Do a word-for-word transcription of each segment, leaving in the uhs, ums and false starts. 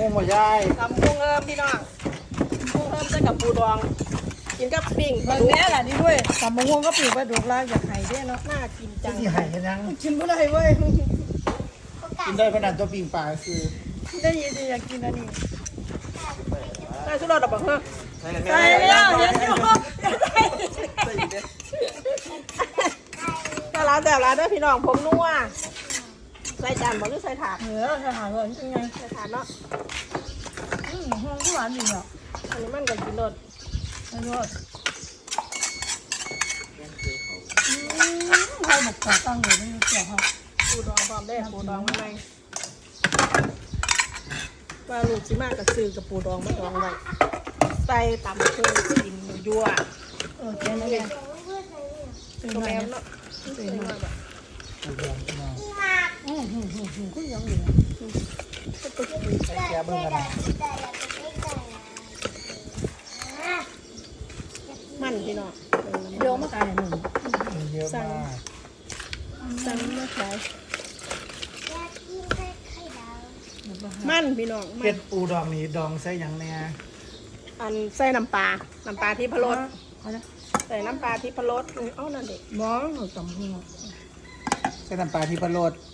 กุ้งหัวยายตำกุ้งเอิมพี่น้องกุ้งเอิมใส่กับปูดองกินกับปิ้งบางแน่แหละนี่ด้วยตำมะม่วงก็ปีกไปดูลายอยากไห้ด้วยเนาะน่ากินจังที่ไห่กันยังกินไม่ได้เว้ยกินได้ขนาดตัวปิงปลาคือได้ยินแต่อยากกินอันนี้ใส่สุดรสดับเบิ้งเฮ้อใส่แล้วเห็นอยู่แต่ร้านแต่ร้านเด้อพี่น้องผมนัวใส่จานบ่หรือใส่ถาดเหนือจะหาเลยยังไงใส่ถาดเนาะอืมห้องก็หวานอยู่เนาะอันนี้มันก็กินรสไม่รู้อืมให้หมกขาตั้งเลยไม่รู้เกี่ยวครับปูดองพร้อมได้ปูดองมาในว่าลูกสิมากกับซื้อกับปูดองมาดองไว้ใส่ตำเครื่องกินยั่วเออแค่นั้นเองตรงแรมเนาะใส่มาแบบปูดองพี่น้องอืมอืมอืมอืมคุณยังอยู่ใส่แกเบิ้งกันนะมันพี่น้องเดี๋ยวมาตายหนึ่งมีเยอะมากสั่งมาขายมันพี่น้องมัเป็นดปูดองนี่ดองใส่หยังแน่อันใส่น้ำปลา น้ำปลาที่พะโล้เอาละใส่น้ำปลาที่พะโล้เอ้านั่นเด็กบ้องหนูตำหัวใส่น้ำปลาที่ปลาโรด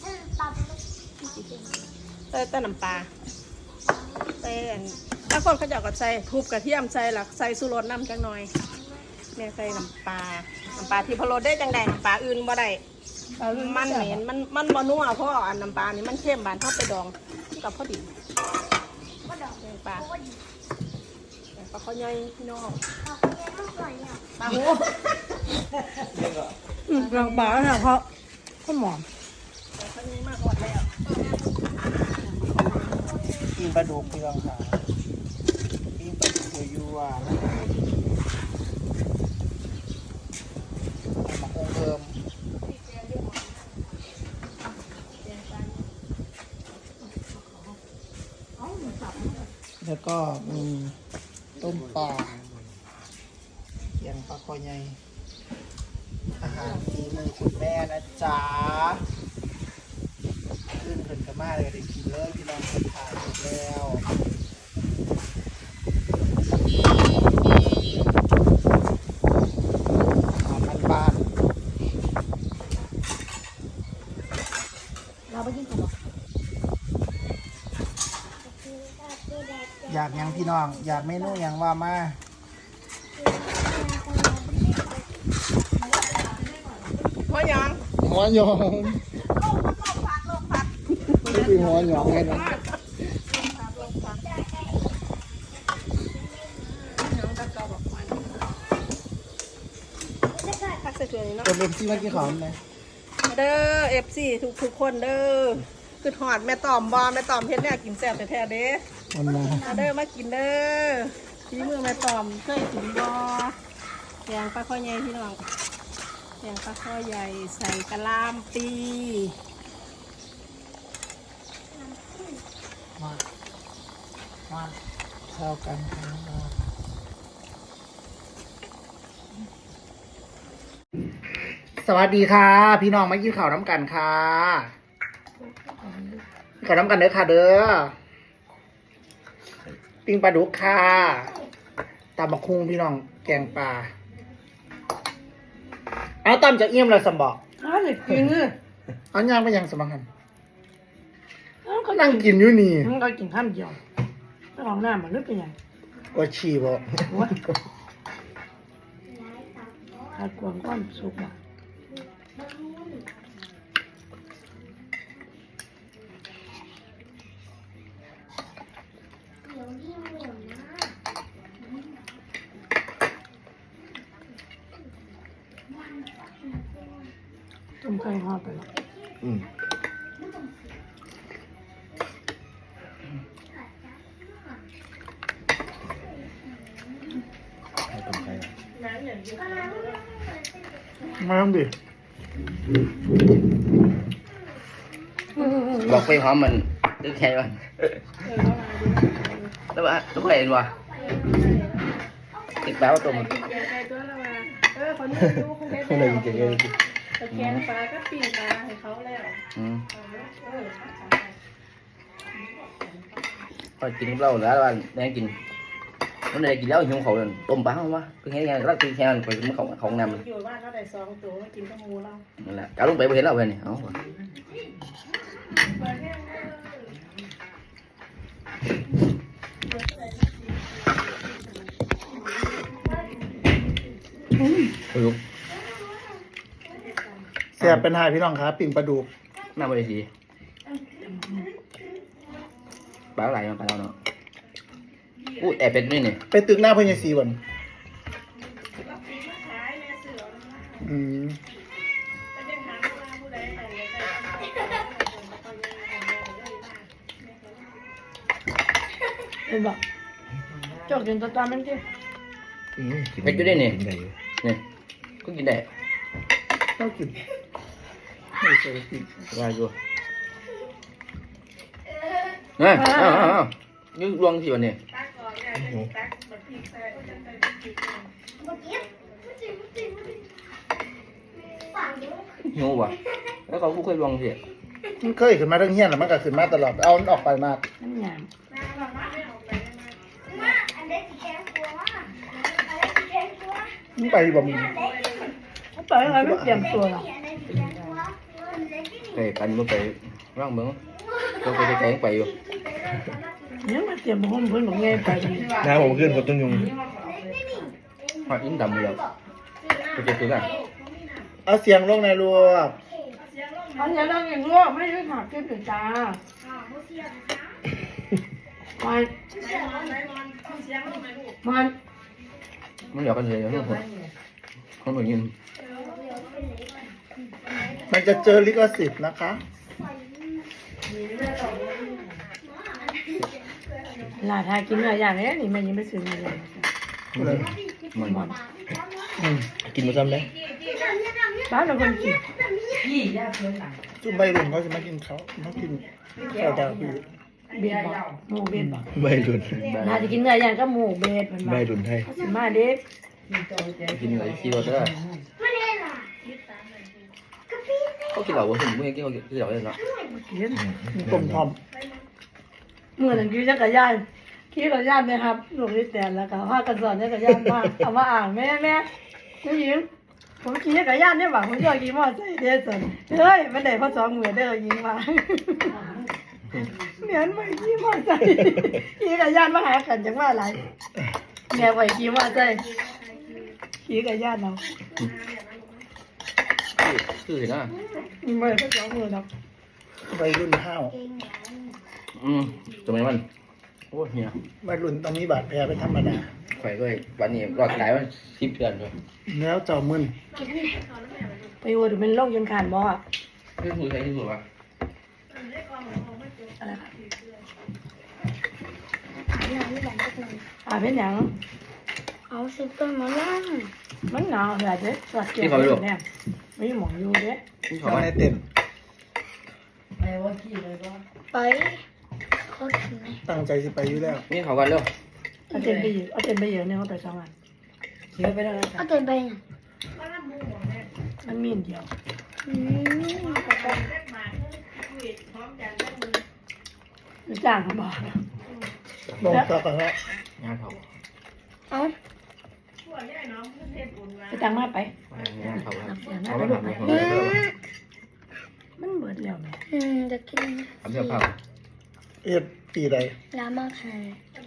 ใส่แต่น้ำปลาใส่อันถ้าคนเขาจะเอาก็ใส่ทุบกระเทียมใส่หลักใส่สุรสน้ำจังหน่อยแม่ใส่น้ำปลา น้ำปลาที่พะโล้ได้จังใดน้ำปลาอื่นบ่ได้มันเหม็นมันมันบ่นัวเพราะอันน้ำปลานี่มันเข้มบานเท่าไปดองกับพอดีแกงปลาแกงปลาข้าวใหญ่พี่น้องปลาหูอืมกลางบ่าเนี่ยเพราะข้าวหมอนแต่ข้าวใหญ่มากหมดแล้วปิ้งปลาดุกพี่น้องค่ะปิ้งปลาดุกยั่วๆนะมาคงเพิ่มแล้วก็มีต้มปลาเยังปลาคอใหญ่อาหารฝีมือคุณแม่นะจ๊ะขึ้นขึ้นกันมากเลยได้กินเลยพี่น้องคนถ่ายหมดแล้วอาหารบ้านเราไปกินขนมๆอยากหยังพี่น้อง อยากเมนูหยังว่ามาหัวหยองหัวหยองนี่คือหัวหยองไงนะพักใส่ถ้วยนี้เนาะคนเป็นที่ว่ากี่ของไหมเด้อเอฟซีทุกทุกคนเด้อคือหอดแม่ตอมบอแม่ตอมเพชรเนี่ยกินแซ่บแท้ๆเด้มันมามาเด้อมากินเด้อทีมือแม่ตอมเคยกินบอแกงปลาข้อใหญ่พี่น้องแกงปลาข้อใหญ่ใส่กะหล่ำปีมามาเข้ากันครับสวัสดีค่ะ พี่น้องมากินข้าวน้ำกันค่ะข้าวน้ำกันเด้อค่ะเด้อปิ้งปลาดุกค่ะตำบักคุงพี่น้องแกงปลาเอาตำจะเอี่ยมเลยสมบอกอ้าวเด็กกินเลยเอาย่างไปยังสมังกันอ้าวก็นั่งกินอยู่นี่มันก็กินข้ามเดียวถ้าของหน้ามันนึกเป็นยังว่าฉี่บ่ขาดความก้อนสุกอ่ะต้มไก่ทอดไปแล้วอืมมาทำดิบอกไปพร้อมมันตึกแค่ก่อนแล้วว่าทุกคนเห็นวะติดแป๊บตัวมันเออคนนี้ดูคงได้อะไรจริงๆเลยตะแกงปลาก็ปิ้งปลาให้เขาแล้วอืมพอกินกับเราแล้วว่าแดงกินมันได้กินแล้วหิวเขาเลยต้มปลาเข้ามว่าคือแค่ไงรักคือแค่นั้นไปมันเขาเขานำอยู่บ้านเราได้สองตัวกินกับหมูเรานั่นแหละก้าวลงไปบ่เห็นเราเพื่อนนี่เอาว่ะโอ้ยแซ่บเป็นหายพี่น้องครับปิ่งปลาดุกน่าบริสีปลาไหลมาปลาเราเนาะอู้แอบเป็ดนี่นี่ไปตึกหน้าพญาศรีบ่นอืมเห็นบ่จอกกินตัวตามันสิเป็ดอยู่ได้นี่นี่ก็กินได้ต้องกินไม่เคยกินได้อยู่เฮ้ยอ้าวอ้าวอ้าวนี่รวงสิวันนี้หิวว่ะแล้วเขาคู่เคยรวงสิมันเคยขึ้นมาทั้งเฮี้ยนแล้วมันก็ขึ้นมาตลอดเอามันออกไปมากมันหยามมึงไปบ่มึงเขาไปอะไรไม่เตรียมตัวหรอกไปกันบ่ไปร่างเบิ่งเราไปแกงไปอยู่ยังมาเตรียมห้องเพิ่นบอกไงไปกันน้ำผมขึ้นกับต้นยุงหอดอินดำเลยไปเจอตัวกันเอาเสียงลงในรัวอันนี้เราอย่างง้อไม่ได้ขาดเก็บถึงตามันมันมันเหลือกันเลยทุกคนเขาเหมือนยินมันจะเจอลิขสิทธิ์นะคะลาทากินเนื้อย่างเลยนี่มันยังไม่ซื้อเนื้อย่างมันมันอืมกินมาซ้ำเลยบ้านเราคนกินจุ่มใบรุ่นเขาจะมากินเขามากินข้าวดาวพี่เบียดบอกหมูเบียดบอกใบรุนลาจะกินเนื้อย่างก็หมูเบียดมันใบบอกรุนไทยสิมาเด็กกินอะไรซีโร่เตอร์เขากินเหล้าบ่ผมไม่กินเขากินเหล้าเลยเนาะกินต้มทอมเมื่อนั้นขี่จักรยานขี่จักรยานนะครับลูกนี่แต่แล้วก็พากันสอนจักรยานมาเอามาอ่างแม่แม่ผู้หญิงผมขี่จักรยานเนี่ยหว่าผมชอบขี่มอเตอร์ไซค์เด้อสนเฮ้ยมันได้พอสองหมื่นเด้อยิงมาเหมือนไม่ขี่มอเตอร์ไซค์ขี่จักรยานมาหากันจังว่าอะไรแม่ไปขี่มอเตอร์ไซค์ขี่จักรยานเอาคือเห็นนะไม่ได้พอสองหมื่นหรอกใบรุ่นข้าวอืมทำไมมันโอ้เฮียใบรุ่นตอนนี้บาดแผลเป็นธรรมดาไฟก็วันนี้รอดตายมันสิบเดือนเลยแล้วเจ้ามึนไปวัวดูเป็นโรคยังขาดบ่อะที่สุดใช่ที่สุดวะอะไรครับอ่าเป็นหยังเอาสิต้นมานั่งมันหนาวเหรอเจ๊สวัสดีครับเนี่ยไม่หมองอยู่เด้ที่เขาเจ้าไม่ในเต็มไปเขากินไหมตั้งใจสิไปอยู่แล้วนี่เขากันเร็วเอาเต็นไปอยู่เอาเต็นไปอยู่เนี่ยเขาไปสองวันเสียไปแล้วเอาเต็มไปน่ะมันมีเดียวอืมจ้างเขาบอกลงต่อกันแล้วงานเขาเอาไปจ้างมาไปงานเขาเสียงเขาไปไม่ลูกทำไปเขาไม่ทมันเบิดแล้วแม่อืมจะกินำทำเสื้อผ้าเอ็ดปีใดลามาคัน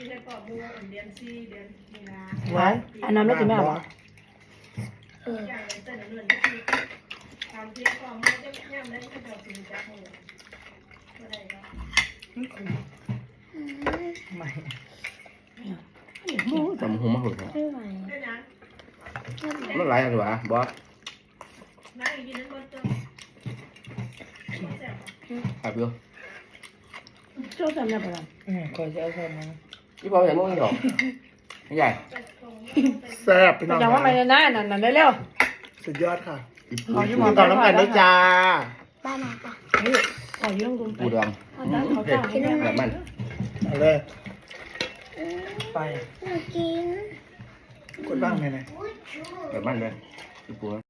หวานอันนั้นไม่กินแม่หรอเออจำหัวมาหุ่นไม่ไหวมันหลายหรือเปล่าบอสขับอยู่โจ้จำได้ปะล่ะอืมคอยจะเอาเข้ามาที่พ่อเห็นมึงหรอไม่ใหญ่แซ่บพี่น้องจำว่าไม่ได้นะนั่นนั่นเร็วสุดยอดค่ะขอยุ่งมก่อนน้ำกันด้วยจ้าบ้านไหนปะขอยุ่งกุมไปปูดองเอาด้านเขาจ้างให้แม่แบบมันเอาเลย ไปอยากกินกดบ้างไหนไหนแบบมันเลยปู